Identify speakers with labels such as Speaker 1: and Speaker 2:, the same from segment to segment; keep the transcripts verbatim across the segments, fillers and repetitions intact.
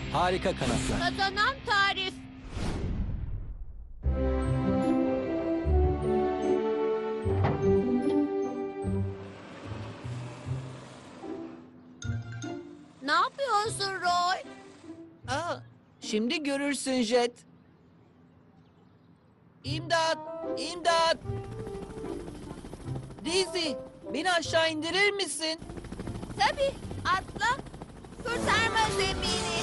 Speaker 1: Harika kanatlar.
Speaker 2: Kazanan tarif. Ne yapıyorsun Roy?
Speaker 3: Aa, şimdi görürsün Jet. İmdat! İmdat! Daisy, beni aşağı indirir misin?
Speaker 2: Tabii, atla. Kurtarma zemini.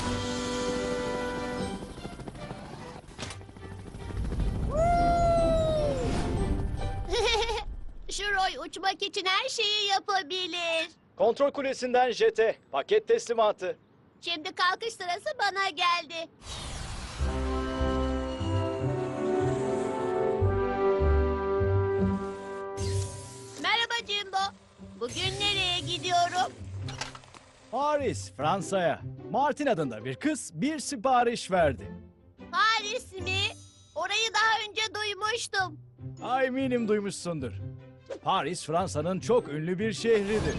Speaker 2: Şu Roy uçmak için her şeyi yapabilir.
Speaker 4: Kontrol kulesinden jete. Paket teslimatı.
Speaker 2: Şimdi kalkış sırası bana geldi. Merhaba Jimbo. Bugün nereye gidiyorum?
Speaker 4: Paris, Fransa'ya. Martin adında bir kız bir sipariş verdi.
Speaker 2: Paris mi? Orayı daha önce duymuştum.
Speaker 4: Ay, eminim duymuşsundur. Paris, Fransa'nın çok ünlü bir şehridir.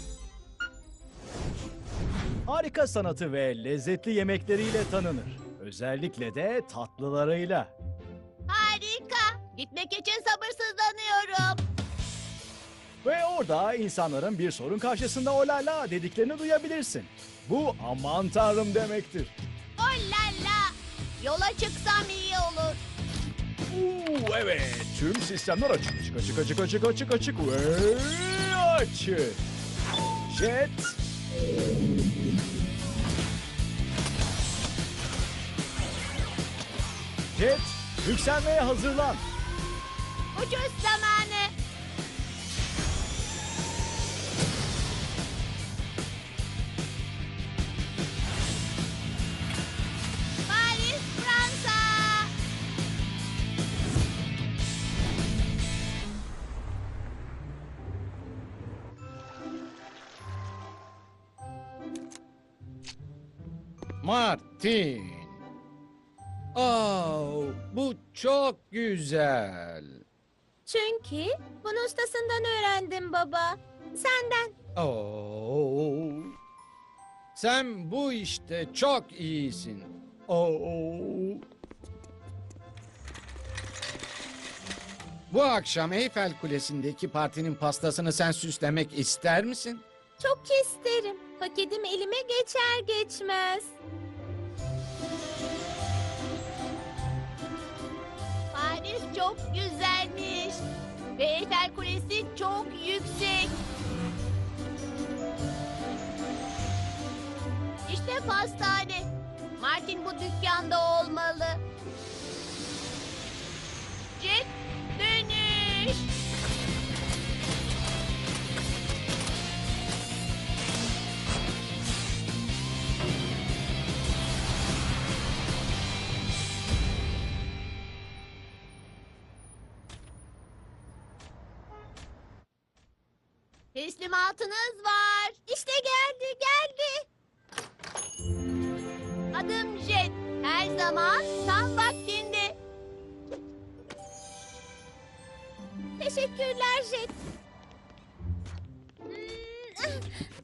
Speaker 4: Harika sanatı ve lezzetli yemekleriyle tanınır. Özellikle de tatlılarıyla.
Speaker 2: Harika. Gitmek için sabırsızlanıyorum.
Speaker 4: Ve orada insanların bir sorun karşısında olala dediklerini duyabilirsin. Bu aman tanrım demektir.
Speaker 2: Oh la la. Yola çıksam iyi olur.
Speaker 4: Oo, evet, tüm sistemler açık, açık, açık, açık, açık, açık, açık ve açık. Jet. Jet, yükselmeye hazırlan.
Speaker 2: Uçuş zamanı. Paris, Fransa.
Speaker 5: Martin. Oh, bu çok güzel.
Speaker 2: Çünkü bunu ustasından öğrendim baba. Senden.
Speaker 5: Oh. Sen bu işte çok iyisin. Oh. Bu akşam Eyfel Kulesi'ndeki partinin pastasını sen süslemek ister misin?
Speaker 2: Çok isterim. Paketim elime geçer geçmez. Paris çok güzelmiş. Ve Eyfel Kulesi çok yüksek. İşte pastane. Martin bu dükkanda olmalı. Jet dönüş. Teslimatınız var. İşte geldi, geldi. Adım Jet. Her zaman tam vaktinde. Teşekkürler Jet. Hmm.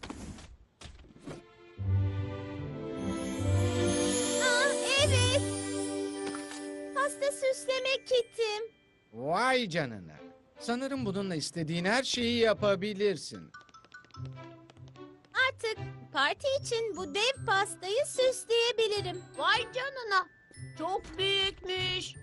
Speaker 2: Aa, evet. Pasta süsleme kitim.
Speaker 5: Vay canına. Sanırım bununla istediğin her şeyi yapabilirsin.
Speaker 2: Artık parti için bu dev pastayı süsleyebilirim. Vay canına. Çok büyükmüş.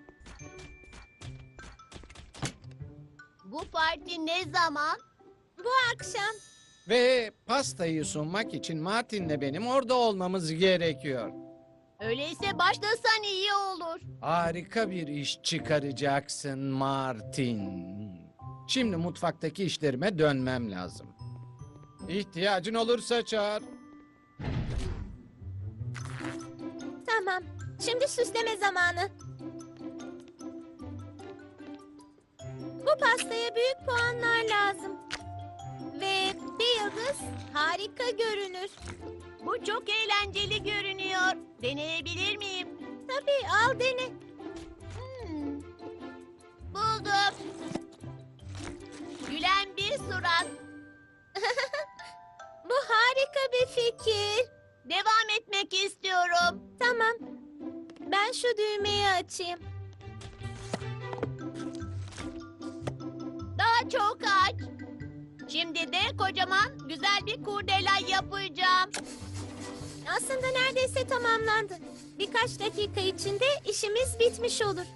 Speaker 2: Bu parti ne zaman? Bu akşam.
Speaker 5: Ve pastayı sunmak için Martin'le benim orada olmamız gerekiyor.
Speaker 2: Öyleyse başlasan iyi olur.
Speaker 5: Harika bir iş çıkaracaksın Martin. Şimdi mutfaktaki işlerime dönmem lazım. İhtiyacın olursa çağır.
Speaker 2: Tamam. Şimdi süsleme zamanı. Bu pastaya büyük puanlar lazım. Ve bir yıldız harika görünür. Bu çok eğlenceli görünüyor. Deneyebilir miyim? Tabii, al dene. Hmm. Buldum. Gülen bir surat. Bu harika bir fikir. Devam etme süslemek istiyorum. Tamam. Ben şu düğmeyi açayım. Daha çok aç. Şimdi de kocaman güzel bir kurdela yapacağım. Aslında neredeyse tamamlandı. Birkaç dakika içinde işimiz bitmiş olur.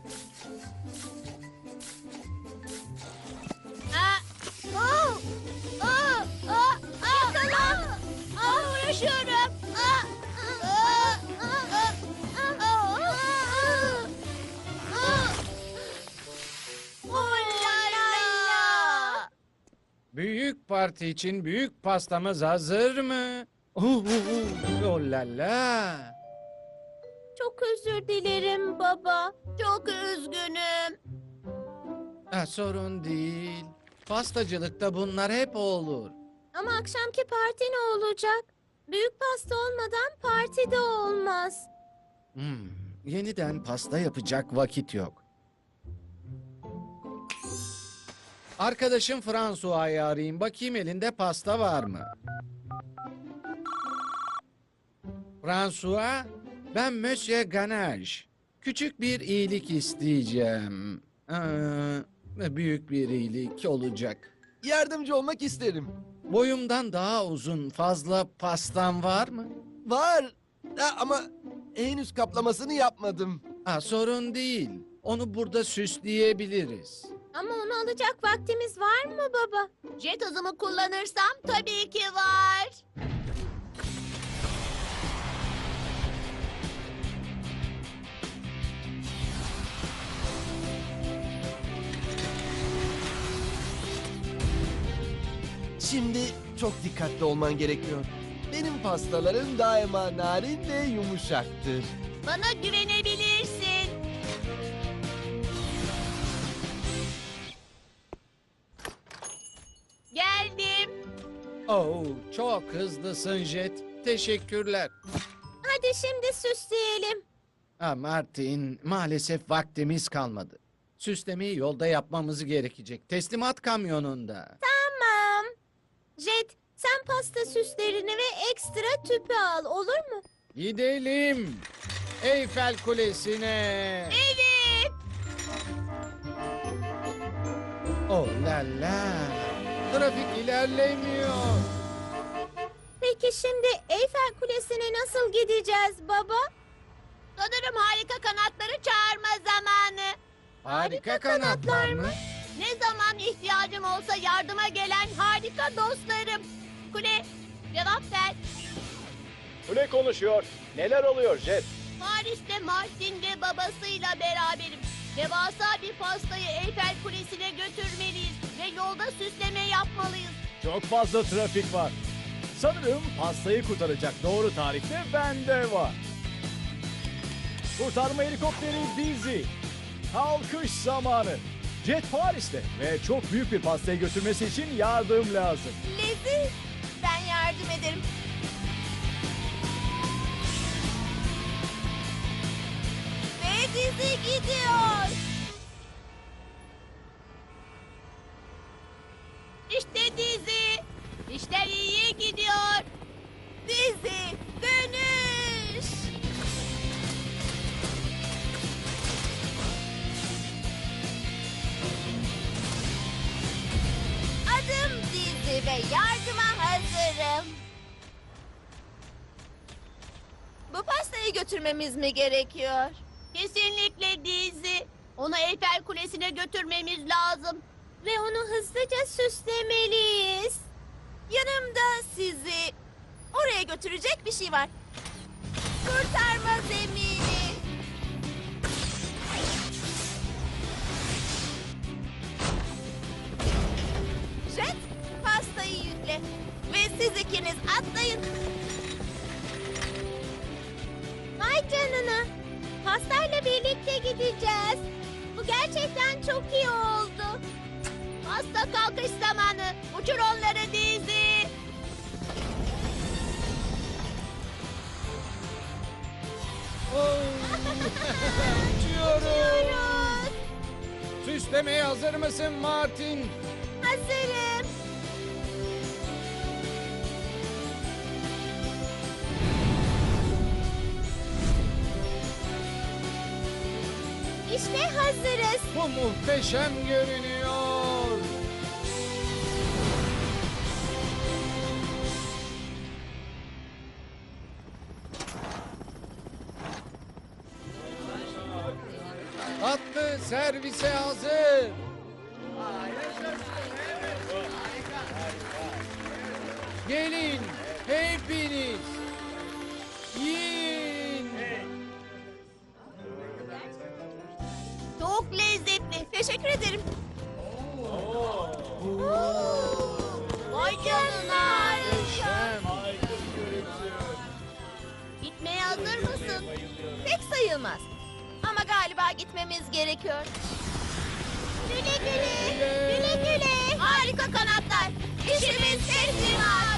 Speaker 2: Aa, oh, oh, oh, oh, yakala. Aa, uğraşıyorum. Aa, aa, aa, aa, aa, aa, aa. Oh la la.
Speaker 5: Büyük parti için büyük pastamız hazır mı? Oh, oh la la.
Speaker 2: Çok özür dilerim baba. Çok üzgünüm.
Speaker 5: Ha, sorun değil. Pastacılıkta bunlar hep olur.
Speaker 2: Ama akşamki parti ne olacak? Büyük pasta olmadan parti de olmaz.
Speaker 5: Hmm, yeniden pasta yapacak vakit yok. Arkadaşım François'ı arayayım. Bakayım elinde pasta var mı? François, ben Monsieur Ganache. Küçük bir iyilik isteyeceğim. Ee, büyük bir iyilik olacak.
Speaker 1: Yardımcı olmak isterim.
Speaker 5: Boyumdan daha uzun fazla pastam var mı?
Speaker 1: Var. Ha, ama henüz kaplamasını yapmadım.
Speaker 5: Ha, sorun değil. Onu burada süsleyebiliriz.
Speaker 2: Ama onu alacak vaktimiz var mı baba? Jet hızımı kullanırsam tabii ki var.
Speaker 1: Şimdi çok dikkatli olman gerekiyor. Benim pastalarım daima narin ve yumuşaktır.
Speaker 2: Bana güvenebilirsin. Geldim.
Speaker 5: Oh, çok hızlısın Jet. Teşekkürler.
Speaker 2: Hadi şimdi süsleyelim.
Speaker 5: Ha, Martin, maalesef vaktimiz kalmadı. Süslemeyi yolda yapmamız gerekecek. Teslimat kamyonunda.
Speaker 2: Tamam. Jet, sen pasta süslerini ve ekstra tüpü al, olur mu?
Speaker 5: Gidelim. Eyfel Kulesi'ne.
Speaker 2: Evet.
Speaker 5: Oh la la. Trafik ilerlemiyor.
Speaker 2: Peki şimdi Eyfel Kulesi'ne nasıl gideceğiz baba? Sanırım harika kanatları çağırma zamanı.
Speaker 5: Harika kanatlar mı?
Speaker 2: Ne zaman ihtiyacım olsa yardıma gelen harika dostlarım. Kule, cevap ver.
Speaker 4: Kule konuşuyor. Neler oluyor Jet?
Speaker 2: Paris'te Martin ve babasıyla beraberim. Devasa bir pastayı Eyfel Kulesi'ne götürmeliyiz ve yolda süsleme yapmalıyız.
Speaker 4: Çok fazla trafik var. Sanırım pastayı kurtaracak doğru tarihte bende var. Kurtarma helikopteri Dizzy. Kalkış zamanı. Jet Paris'te ve çok büyük bir pastayı götürmesi için yardım lazım.
Speaker 2: Lizzie, ben yardım ederim. Ve Dizzy gidiyor. İşte Dizzy. İşler iyiye gidiyor. Dizzy, dönüş. Adım Dizzy ve yardıma hazırım. Bu pastayı götürmemiz mi gerekiyor? Kesinlikle Dizzy. Onu Eyfel Kulesi'ne götürmemiz lazım. Ve onu hızlıca süslemeliyiz. Yanımda sizi oraya götürecek bir şey var. Kurtarma zemini. Jet, pastayı yükle. Ve siz ikiniz atlayın. Vay canına. Pastayla birlikte gideceğiz. Bu gerçekten çok iyi oldu. Pasta kalkış zamanı. Uçur onları Dizzy.
Speaker 5: Oh. Uçuyoruz.
Speaker 2: Uçuyoruz.
Speaker 5: Süslemeye hazır mısın Martin?
Speaker 2: Hazırım. İşte hazırız.
Speaker 5: Bu muhteşem görünüyor. Atlı servise hazır. Gelin hepiniz. Yiyin.
Speaker 2: Çok lezzetli. Teşekkür ederim. Vay canına.
Speaker 5: Muhteşem.
Speaker 2: Gitmeye hazır mısın? Pek sayılmaz. Ama galiba gitmemiz gerekiyor. Güle güle. Güle güle. Harika kanatlar. İşimiz teslimat.